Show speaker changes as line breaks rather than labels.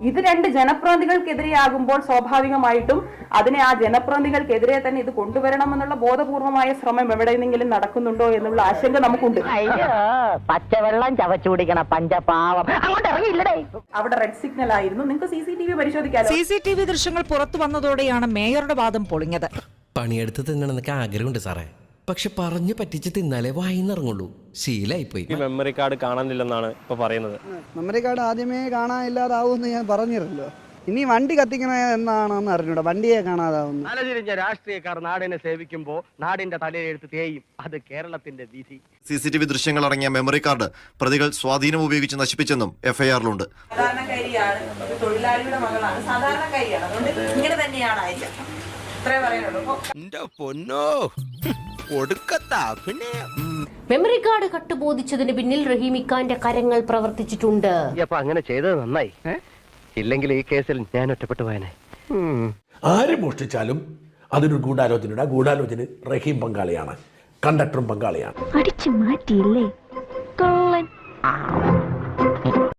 ഇത് രണ്ട് ജനപ്രതിനിധികൾക്കെതിരെയാകുമ്പോൾ സ്വാഭാവികമായിട്ടും അതിനെ ആ ജനപ്രതിനിധികൾക്കെതിരെ തന്നെ ഇത് കൊണ്ടുവരണമെന്നുള്ള ബോധപൂർവമായ ശ്രമം എവിടെയെങ്കിലും നടക്കുന്നുണ്ടോ എന്നുള്ള ആശങ്ക നമുക്കുണ്ട്.
പച്ചവെള്ളം ചവച്ചുടിക്കണ പഞ്ചപാവം അങ്ങോട്ട് ഇറങ്ങിയില്ലടേ.
അവിടെ റെഡ് സിഗ്നൽ ആയിരുന്നു. നിങ്ങൾക്ക് CCTV പരിശോധിക്കാമോ?
CCTV ദൃശ്യങ്ങൾ പുറത്തു വന്നതോടെയാണ് മേയറുടെ വാദം പൊളിഞ്ഞത്.
പണിയെടുത്ത് തിന്നണമെന്നൊക്കെ ആഗ്രഹമുണ്ട് സാറേ, പക്ഷെ പറഞ്ഞു പറ്റിച്ച് തിന്നാലേ വായിന്നിറങ്ങുള്ളൂ. ശീലായിപ്പോയി.
ഈ മെമ്മറി കാർഡ് കാണാനില്ലെന്നാണ് ഇപ്പൊ പറയുന്നത്.
മെമ്മറി കാർഡ് ആദ്യമേ കാണാനില്ലാതാവുമെന്ന് ഞാൻ പറഞ്ഞിരുന്നല്ലോ. ഇനി വണ്ടി കത്തിക്കണ എന്നാണെന്ന് അറിഞ്ഞൂടാ, വണ്ടിയെ കാണാതാവുന്നു.
തലതിരിഞ്ഞ രാഷ്ട്രീയക്കാർ നാടിനെ സേവിക്കുമ്പോൾ നാടിന്റെ തലയെടുത്ത് തേയും. അത് കേരളത്തിന്റെ വിധി.
CCTV ദൃശ്യങ്ങൾ അടങ്ങിയ മെമ്മറി കാർഡ് പ്രതികൾ സ്വാധീനം ഉപയോഗിച്ച് നശിപ്പിച്ചെന്നും FIR-ലുണ്ട്.
സാധാരണക്കാരിയാണ്, തൊഴിലാളിയുടെ മകളാണ്, സാധാരണക്കാരിയാണ്. അതുകൊണ്ട് ഇങ്ങനെ തന്നെയാണ് ആയിരിക്കും. ഇത്രേ പറയാനുള്ളൂ.
മെമ്മറി കാർഡ് കട്ടുബോധിച്ചതിന് പിന്നിൽ റഹീമിക്കാന്റെ കരങ്ങൾ പ്രവർത്തിച്ചിട്ടുണ്ട്.
അപ്പൊ അങ്ങനെ ചെയ്തത് നന്നായി. ഇല്ലെങ്കിൽ ഈ കേസിൽ ഞാൻ ഒറ്റപ്പെട്ടു പോയനെ.
ആര് മോഷ്ടിച്ചാലും അതൊരു ഗൂഢാലോചന റഹീം പങ്കാളിയാണ്, കണ്ടക്ടറും പങ്കാളിയാണ്.
അടിച്ചു മാറ്റിയില്ലേ കള്ളൻ.